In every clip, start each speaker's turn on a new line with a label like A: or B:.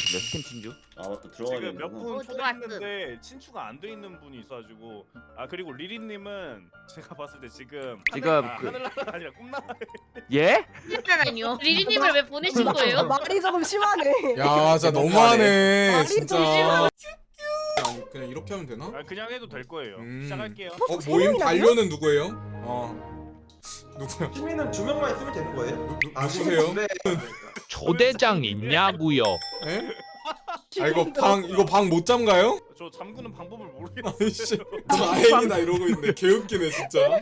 A: 같은데 스팀 친주.
B: 아 맞다 들어가야
C: 지금
B: 되는구나.
C: 몇분
D: 들어왔음.
C: 초대했는데 친추가 안 돼 있는 분이 있어가지고 아 그리고 리리님은 제가 봤을 때 지금 하늘나라 아니라 꿈나라.
A: 예?
D: 아니요. 리리님을 왜 보내신 거예요?
E: 말이 조금 심하네.
F: 야 진짜 너무하네
E: 말이
F: 진짜.
E: 좀 심하네.
F: 아니, 그냥 이렇게 하면 되나?
C: 아 그냥 해도 될 거예요. 시작할게요.
F: 모임
E: 명이나
F: 반려는 누구예요? 누구야?
G: 시민은 2명만 있으면 되는 거예요?
F: 누구세요?
G: 네.
H: 초대장 있냐고요?
F: 에? 아 이거 방 못 잠가요?
C: 저 잠그는 방법을
F: 아이씨,
C: 모르겠어요.
F: 다행이다 이러고 있네. 개웃기네 진짜.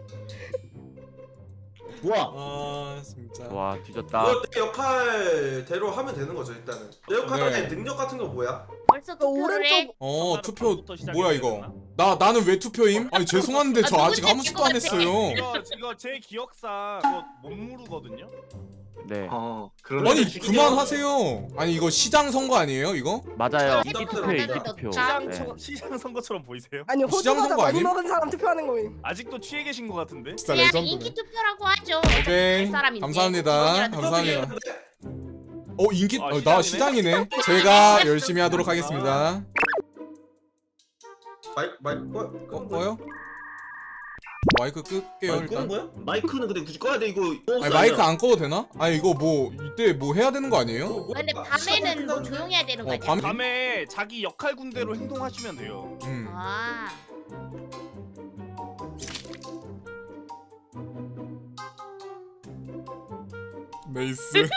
B: 좋아.
F: 아 진짜.
A: 와 뒤졌다.
G: 이거 내 역할대로 하면 되는 거죠 일단은. 내 역할
F: 네.
G: 능력 같은 거 뭐야?
D: 벌써
E: 또
D: 투표를 해?
E: 오른쪽
F: 투표
C: 방부터
F: 뭐야 이거? 나는 왜 투표임? 아니 죄송한데 저 아직 아무 짓도 안 했어요.
C: 이거 제 기억상 그거 못 모르거든요.
A: 네
F: 아니 그만하세요. 아니 이거 시장 선거 아니에요 이거?
A: 맞아요.
D: 인기
A: 인기 투표
D: 투표,
A: 인기
D: 인기
A: 투표.
D: 투표.
C: 시장 선거처럼 보이세요?
E: 아니
F: 시장
E: 호주마다
F: 선거
E: 많이
F: 아님?
E: 먹은 사람 투표하는 거임.
C: 아직도 취해 계신 것 같은데?
F: 진짜
D: 그냥
F: 레전드네.
D: 인기 투표라고 하죠.
F: 오케이
D: 갈 사람인데.
F: 감사합니다.
D: 그거라도
F: 감사합니다. 인기
C: 아,
F: 나
C: 시장이네.
F: 시장이네. 제가 열심히 하도록 하겠습니다. 꺼요? 마이크 끌게요
B: 마이크 끄는
F: 일단.
B: 거야? 마이크는 근데 굳이 꺼야 돼 이거.
F: 아니 마이크 안 꺼도 되나? 아니 이거 뭐 이때 뭐 해야 되는 거 아니에요?
D: 근데 밤에는 뭐 조용해야 되는 거 아니야?
C: 밤에 자기 역할 군대로 행동하시면 돼요.
D: 아.
F: 메이스.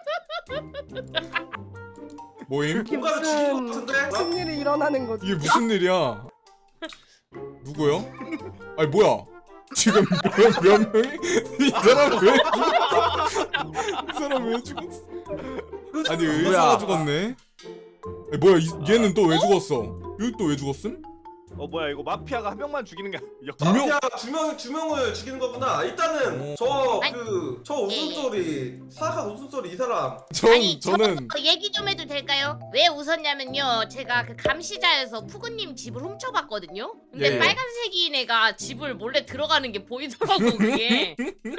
F: 모임?
G: 뭔가를 죽인 것 같은데?
E: 무슨 일이 일어나는 거지?
F: 이게 무슨 일이야? 누구요? 아니 뭐야? 지금 몇 명이? 이 사람 왜 죽었어? 이 사람 왜 죽었어? 아니 의사가 죽었네. 아니, 뭐야 얘는 또 왜 죽었어? 여기 또 왜 죽었음?
C: 뭐야 이거 마피아가 한 명만 죽이는 게
F: 두 명?
G: 마피아 두 명을 죽이는 거구나. 일단은 저 웃음소리 사악한 웃음소리 이 사람.
D: 아니
F: 저는
D: 저 얘기 좀 해도 될까요? 왜 웃었냐면요. 제가 그 감시자에서 푸근님 집을 훔쳐봤거든요. 근데
F: 예.
D: 빨간색인 애가 집을 몰래 들어가는 게 보이더라고 그게.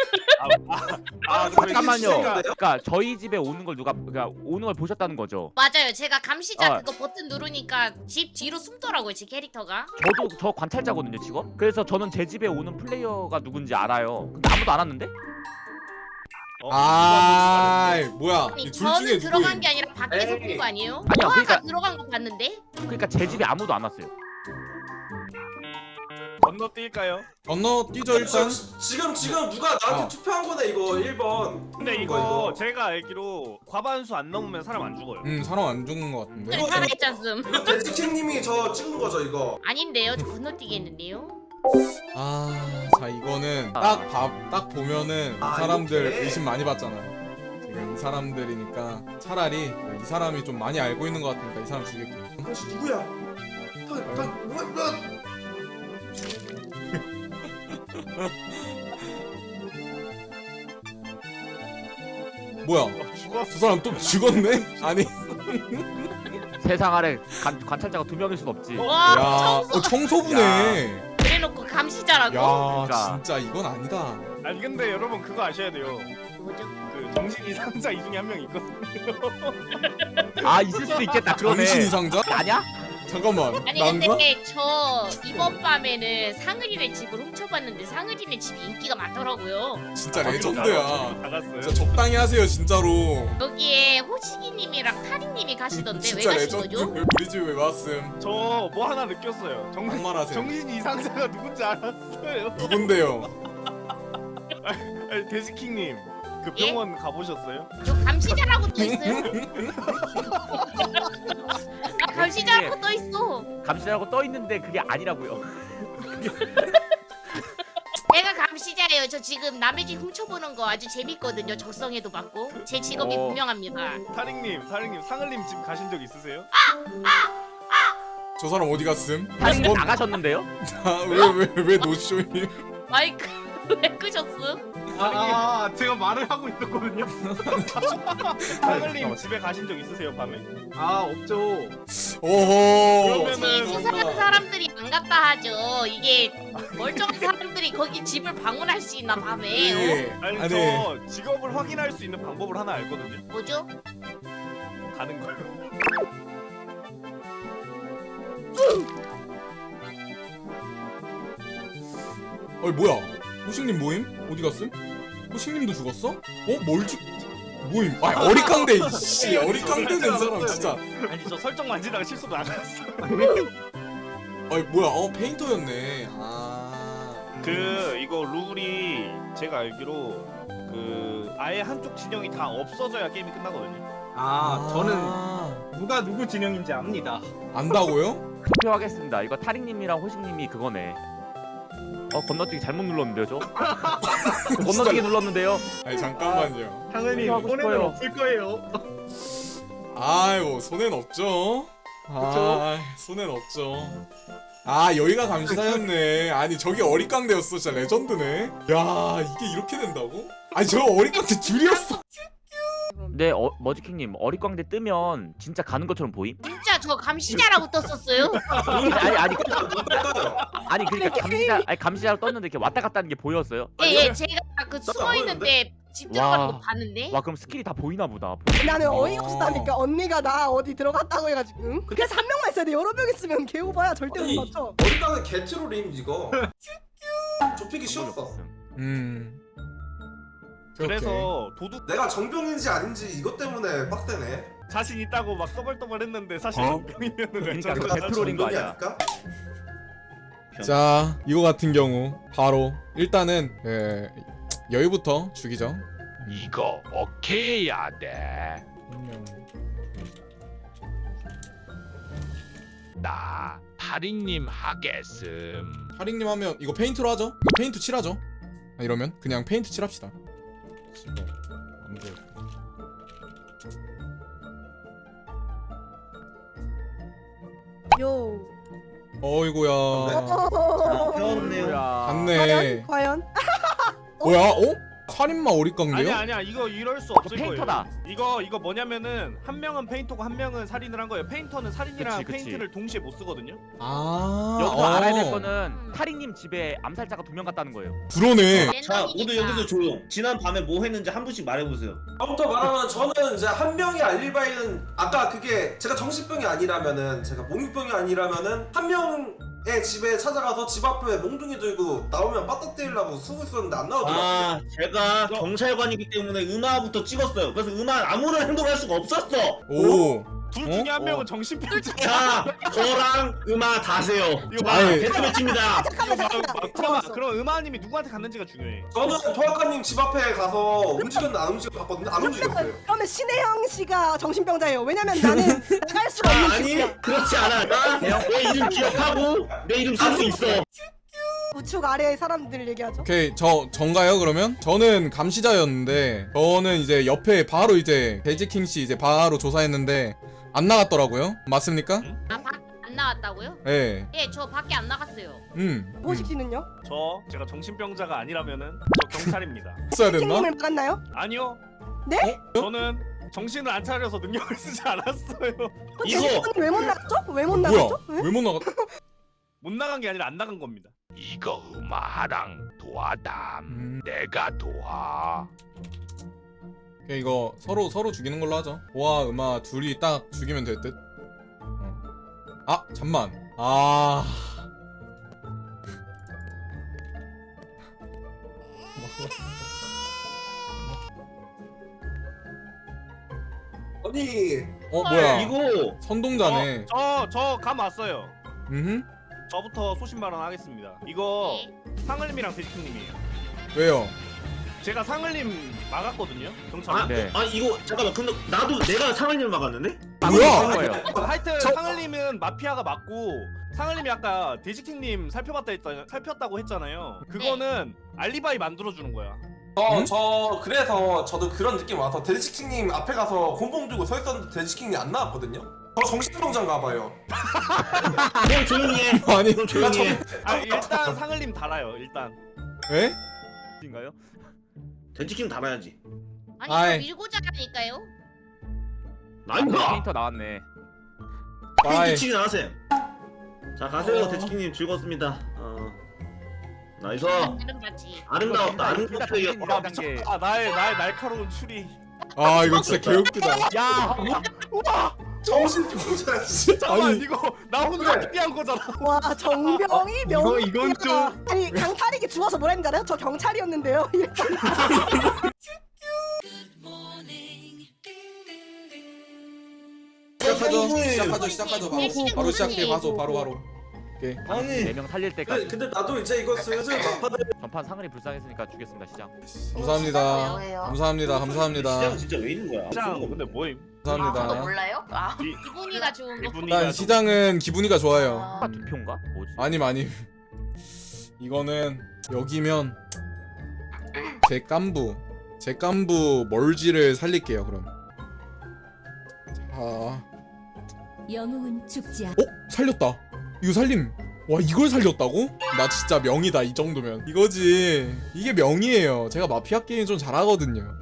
A: 잠깐만요.
G: 시장인데요?
A: 그러니까 저희 집에 오는 걸 그러니까 오는 걸 보셨다는 거죠?
D: 맞아요. 제가 감시자
A: 아.
D: 그거 버튼 누르니까 집 뒤로 숨더라고요. 제 캐릭터가.
A: 저 관찰자거든요 직업. 그래서 저는 제 집에 오는 플레이어가 누군지 알아요. 근데 아무도 안 왔는데?
F: 뭐야?
D: 아니
F: 이 둘
D: 저는
F: 중에
D: 들어간
F: 누구임?
D: 게 아니라 밖에서
G: 에이.
D: 본 거 아니에요?
A: 아니요,
D: 호아가
A: 그러니까-
D: 들어간 거 봤는데?
A: 그러니까 제 집에 아무도 안 왔어요.
C: 건너뛸까요?
F: 건너뛰죠 일단.
G: 지금 누가 나한테
F: 어.
G: 투표한 거네 이거 1번.
C: 근데 이거 제가 알기로 과반수 안 넘으면 사람 안 죽어요.
F: 사람 안 죽은 것 같은데.
D: 그래 살아있잖음.
G: 이거 데스킹님이 저 찍은 거죠 이거.
D: 아닌데요? 저 건너뛰겠는데요?
F: 자 이거는 딱 보면은 이 사람들
G: 이렇게?
F: 의심 많이 받잖아요. 지금 이 사람들이니까 차라리 이 사람이 좀 많이 알고 있는 것 같으니까 이 사람 죽일게.
G: 당신 누구야? 뭐야?
F: 뭐야?
C: 죽었어.
F: 두 사람 또 죽었네? 아니
A: 세상 아래 관찰자가 2명일 순 없지.
D: 와
F: 청소부네.
D: 그래놓고 감시자라고?
F: 야
A: 그러니까.
F: 진짜 이건 아니다.
C: 아니 근데 여러분 그거 아셔야 돼요.
D: 뭐죠?
C: 그 정신 이상자 이 중에 한 명 있거든요.
A: 아 있을 수도 있겠다. 그러네.
F: 정신 이상자?
A: 아니야?
F: 잠깐만.
D: 아니
F: 난가?
D: 근데 저 이번 밤에는 상은이네 집을 훔쳐봤는데 상은이네 집이 인기가 많더라고요.
F: 진짜 레전드야.
C: 나갔어요.
F: 진짜 적당히 하세요 진짜로.
D: 여기에 호식이님이랑 타리님이 가시던데 왜
F: 진짜
D: 가신
F: 레전드.
D: 거죠?
F: 우리 집에 왜 왔음?
C: 저 뭐 하나 느꼈어요.
F: 막말하세요.
C: 정신 이상자가 누군지 알았어요.
F: 누군데요?
C: 아니, 데스킹님 그
D: 예?
C: 병원 가보셨어요?
D: 저 감시자라고 떠 있어요. 아 감시자라고 떠 있어.
A: 감시자라고 떠 있는데 그게 아니라고요.
D: 내가 감시자예요. 저 지금 남의 집 훔쳐보는 거 아주 재밌거든요. 적성에도 맞고 제 직업이
A: 어.
D: 분명합니다.
C: 타링님 상을님 집 가신 적 있으세요?
F: 저 사람 어디 갔음?
A: 사실 나가셨는데요?
F: 왜왜 노쇼임?
D: 마이크 왜 끄셨음?
I: 제가 말을 하고 있었거든요.
C: 상을님 집에 가신 적 있으세요 밤에?
I: 없죠.
F: 오호.
D: 혹시 수상한 사람들이 안 갔다 하죠. 이게 멀쩡한 사람들이 거기 집을 방문할 수 있나 밤에?
F: 예.
C: 아니 저 직업을 확인할 수 있는 방법을 하나 알거든요.
D: 뭐죠?
C: 가는 거요.
F: 어이 뭐야? 호식님 모임? 어디 갔음? 호식님도 죽었어? 멀지? 모임? 아 어리깡대 이씨 어리깡대는 사람 진짜.
C: 아니 저 설정 만지다가 실수로 나갔어.
F: 어이 뭐야? 페인터였네.
C: 이거 룰이 제가 알기로 아예 한쪽 진영이 다 없어져야 게임이 끝나거든요.
I: 저는 누가 누구 진영인지 압니다.
F: 안다고요?
A: 투표하겠습니다. 이거 타릭님이랑 호식님이 그거네. 건너뛰기 잘못 눌렀는데요, 저? 건너뛰기 눌렀는데요.
F: 아니 잠깐만요.
I: 당연히
A: 하고
I: 손에는
A: 싶어요.
I: 없을 거예요.
F: 아이고 손해는 없죠. 손해는 없죠. 여기가 감시사였네. 아니 저기 어리깡대였어. 진짜 레전드네. 야 이게 이렇게 된다고? 아니 저 어리깡대 줄이었어.
A: 근데 머지킹님 어리광대 뜨면 진짜 가는 것처럼 보임?
D: 진짜 저 감시자라고 떴었어요?
A: 아니 그러니까 감시자로 떴는데 이렇게 왔다 갔다 하는 게 보였어요?
D: 예, 제가 그 숨어 있는데 집 들어가는 거 봤는데.
A: 와 그럼 스킬이 다 보이나 보다.
E: 나는 어이가 없다니까. 언니가 나 어디 들어갔다고 해가지고. 응? 그래서 한 명만 있어야 돼. 여러 명 있으면 개오바야. 절대 못 맞춰.
G: 어리깡은 개트롤임 이거. 좁히기 쉬웠어.
C: 그래서 도둑
G: 내가 정병인지 아닌지 이것 때문에 빡세네.
C: 자신 있다고 막 떠벌떠벌했는데 사실 병이면은
A: 그러니까
C: 왜
A: 그거 개트롤인 거 아니야?
G: 아닐까?
F: 자 이거 같은 경우 바로 일단은 여유부터 죽이죠.
H: 이거 오케이 해야 돼. 나 타릭님 하겠음.
F: 하링님 하면 이거 페인트로 하죠? 이거 페인트 칠하죠? 이러면 그냥 페인트 칠합시다. 안 돼.
E: 요.
F: 어이구야.
B: 배웠네요.
F: 갔네.
E: 과연?
F: 뭐야? 살인마 어리깡대요?
C: 아니야 이거 이럴 수 없을
A: 페인터다.
C: 거예요. 이거 뭐냐면은 한 명은 페인터고 한 명은 살인을 한 거예요. 페인터는 살인이랑
A: 그치.
C: 페인트를 동시에 못 쓰거든요.
A: 여기서 알아야 될 거는 타릭님 집에 암살자가 2명 갔다는 거예요.
F: 그러네.
B: 자 모두 여기서 조용. 지난 밤에 뭐 했는지 한 분씩 말해보세요.
G: 처음부터 말하면 저는 이제 한 명이 알릴 바에는 아까 그게 제가 정신병이 아니라면은 제가 몽유병이 아니라면은 한 명의 집에 찾아가서 집 앞에 몽둥이 들고 나오면 빠따 때리려고 쓰고 있었는데 안 나오더라고요.
B: 제가 경찰관이기 때문에 음아부터 찍었어요. 그래서 음아 아무런 행동할 수가 없었어.
F: 오.
C: 둘 중에 한 명은 정신병자.
B: 자 저랑 음아 다세요.
C: 이거
F: 아니.
B: 데스매치입니다.
C: 잠깐만. 그럼 음아님이 누구한테 갔는지가 중요해.
G: 저는 토아카님 집 앞에 가서 움직였나 안 움직였나 봤거든요. 안 움직였어요.
E: 그러면 신혜영 씨가 정신병자예요. 왜냐면 나는 나갈 수가 없는
B: 아니
E: 집이야.
B: 그렇지 않아. 나내 이름 기억하고 내 이름 쓸 수 있어.
E: 우측 아래의 사람들 얘기하죠.
F: 오케이 전가요 그러면? 저는 감시자였는데 저는 이제 옆에 바로 이제 베지킹 씨 이제 바로 조사했는데 안 나갔더라고요. 맞습니까?
D: 안 나왔다고요?
F: 예.
D: 예, 저 밖에 안 나갔어요.
E: 모식 씨는요?
C: 제가 정신병자가 아니라면 저 경찰입니다.
F: 써야 됐나?
E: 킹님을 막았나요?
C: 아니요.
E: 네?
C: 저는 정신을 안 차려서 능력을 쓰지 않았어요.
B: 이거
E: 왜 못 나갔죠? 왜 못
F: 뭐야?
E: 나갔죠? 왜?
F: 왜 못 나갔?
C: 못 나간 게 아니라 안 나간 겁니다.
H: 이거 음아랑 도와담. 내가 도와.
F: 오케이, 이거 서로 죽이는 걸로 하죠. 보아 음아 둘이 딱 죽이면 될 듯. 잠만.
G: 아니
F: 뭐야?
B: 이거
F: 선동자네.
C: 저 감 왔어요.
F: 음.
C: 저부터 소신 발언하겠습니다. 이거
D: 네.
C: 상을님이랑 데스킹님이에요.
F: 왜요?
C: 제가 상을님 막았거든요. 경찰.
A: 네.
B: 이거 잠깐만. 근데 나도 내가 상을님을 막았는데?
F: 뭐야?
A: 거예요.
C: 하여튼 상을님은 마피아가 맞고 상을님이 아까 데지킹님 살폈다고 했잖아요. 그거는 알리바이 만들어주는 거야.
G: 그래서 저도 그런 느낌 와서 데지킹님 앞에 가서 곤봉 들고 서 있었는데 데지킹이 안 나왔거든요. 저 정신병자인가 봐요.
B: 그럼 조용히 해.
F: 아니
B: 그럼 조용히 해.
C: 일단 상을님 달아요. 일단.
F: 에?
A: 인가요?
B: 돼지킹 달아야지.
D: 아니
F: 아이.
D: 저 밀고자 하니까요.
B: 나인가?
A: 페인터 나왔네.
F: 빠이.
B: 페인트치기 나가세요. 자 가세요. 돼지킹님 즐거웠습니다. 나이스.
D: 이름 같이.
B: 아름다웠다. 아름답게
A: 둘
B: 이겼다.
A: 다 단계.
C: 나의 날카로운 추리.
F: 이거 진짜 개웃기다.
A: 야,
G: 정신병자.
C: 잠깐만
F: 아니.
C: 이거 나 혼자
G: 그래.
C: 특이한 거잖아.
E: 와 정병이 명.
I: 이건 좀
E: 아니 강탈이게 죽어서 뭐라 했는지 알아요? 저 경찰이었는데요.
F: 시작하죠. 바로 시작해. 바로. 오케이.
B: 아니
A: 4명 살릴 때까지.
G: 근데 나도 이제 이거 슬슬 막판에
A: 전판 상은이 불쌍했으니까 주겠습니다 시장.
F: 감사합니다.
D: 왜요?
F: 감사합니다.
B: 시장 진짜 왜 이런 거야?
C: 장 근데 뭐임?
F: 감사합니다.
D: 몰라요? 아 기분이가 좋은 거.
C: 이분이가
F: 일단 시장은 기분이가 좋아요.
A: 아, 두 표인가? 뭐지?
F: 아니. 이거는 여기면 제 깐부 멀지를 살릴게요. 그럼. 자,
J: 영웅은 죽지 않.
F: 살렸다. 이거 살림. 와 이걸 살렸다고? 나 진짜 명이다 이 정도면. 이거지. 이게 명이에요. 제가 마피아 게임 좀 잘하거든요.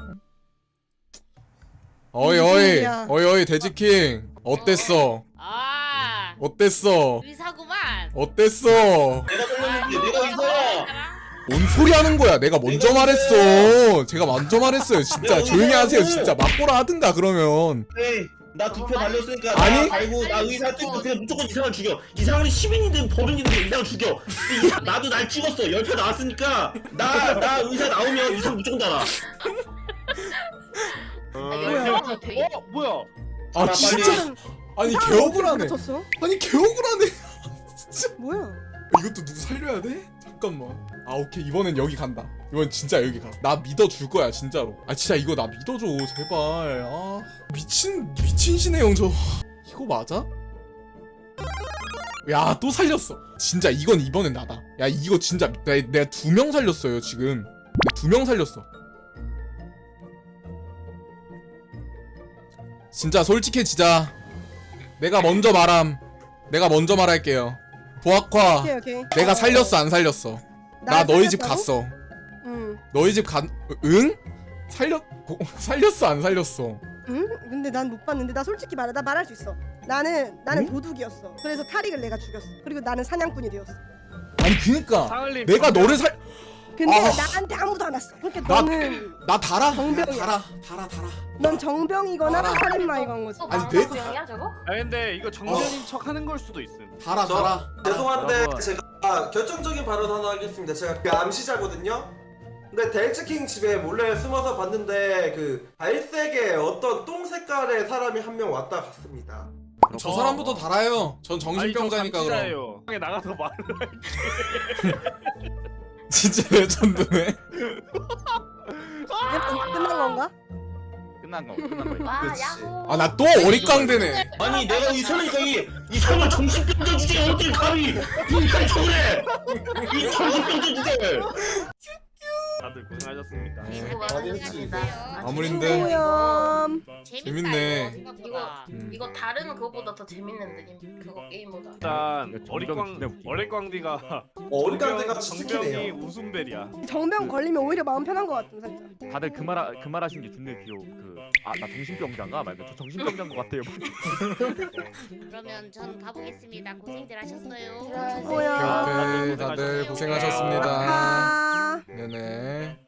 F: 어이 돼지킹 어땠어?
D: 아
F: 어땠어?
D: 의사구만.
F: 어땠어?
B: 내가 돌렸는데 내가 이거야.
F: 뭔 소리 하는 거야? 내가 먼저 말했어. 제가 먼저 말했어요. 진짜
B: 내가
F: 조용히 하세요.
B: 의사라고.
F: 진짜 맞보라 하든가 그러면.
B: 에이 나 두 표 달렸으니까
F: 아니?
B: 나 달고 나 의사 뜨고 그냥 무조건 이상을 죽여. 이상을 시민이든 법인이든 이상을 죽여. 나도 날 찍었어. 10표 나왔으니까 나 의사 나오면 이상 무조건 달아.
C: 뭐야?
F: 아
B: 나
F: 진짜. 아니 개억울하네.
E: 쳤어?
F: 아니 개억울하네.
E: 뭐야?
F: 이것도 누구 살려야 돼? 잠깐만. 아 오케이 이번엔 여기 간다. 이번 진짜 여기 가. 나 믿어줄 거야 진짜로. 아 진짜 이거 나 믿어줘 제발. 아 미친 신의 영저. 이거 맞아? 야 또 살렸어. 진짜 이건 이번엔 나다. 야 이거 진짜 내가 2명 살렸어요 지금. 2명 살렸어. 진짜 솔직해지자. 내가 먼저 말할게요. 보아과
E: 오케이.
F: 내가 살렸어 안 살렸어? 나 너희 집 갔어.
E: 응.
F: 너희 집 응? 살렸어 안 살렸어?
E: 응? 근데 난 못 봤는데 나 솔직히 말해 나 말할 수 있어. 나는
F: 응?
E: 도둑이었어. 그래서 타릭을 내가 죽였어. 그리고 나는 사냥꾼이 되었어.
F: 아니 그니까
C: 상을님
F: 내가 너를
E: 근데
F: 아.
E: 나한테 아무도 안 왔어. 그러니까
F: 나-
E: 너는
F: 나 달아.
E: 정병이야.
F: 달아.
E: 넌 정병이거나
F: 알아.
E: 살인마이건 거지.
F: 아니 내가
D: 병이야 저거?
C: 아 근데 이거 정면인 척 하는 걸 수도 있음.
F: 달아.
G: 죄송한데
A: 여러분.
G: 제가 결정적인 발언 하나 하겠습니다. 제가 그 암시자거든요. 근데 델츠킹 집에 몰래 숨어서 봤는데 그 갈색의 어떤 똥 색깔의 사람이 한 명 왔다 갔습니다.
F: 저 사람부터 달아요. 전 정신병자니까 그럼.
C: 감시자예요. 방에 나가서 말.
F: 진짜 레전드네.
E: 끝난 건가?
A: 끝난 거예요.
D: 와
G: 그치.
D: 야호.
F: 아 나 또 어릿광대네.
B: 아니 내가 의사니까 이 사람을 정신병자 주제에 어떻게 감히 이딴 척을 해. 이 정신병자 주제에.
C: 다들 고생하셨습니다.
D: 수고 많으셨습니다.
F: 아무린데.
E: 오염.
F: 재밌네.
D: 이거 다른 그거보다 더 재밌는 느낌. 그거 게임보다.
C: 일단
A: 이거 정병이 진짜 웃기네.
C: 어릿광디가
G: 어리광대가
C: 정병이
G: 치킨이에요.
C: 웃음벨이야.
E: 정병 걸리면 오히려 마음 편한 것 같은 살짝.
A: 다들 그 말 하신 게 존나 귀여워. 나 정신병자인가? 말고 저 정신병자인 것 같아요.
D: 그러면 전 가보겠습니다. 고생들 하셨어요.
E: 오염.
F: 오케이 다들 고생하셨습니다.
E: 아.
F: 네네.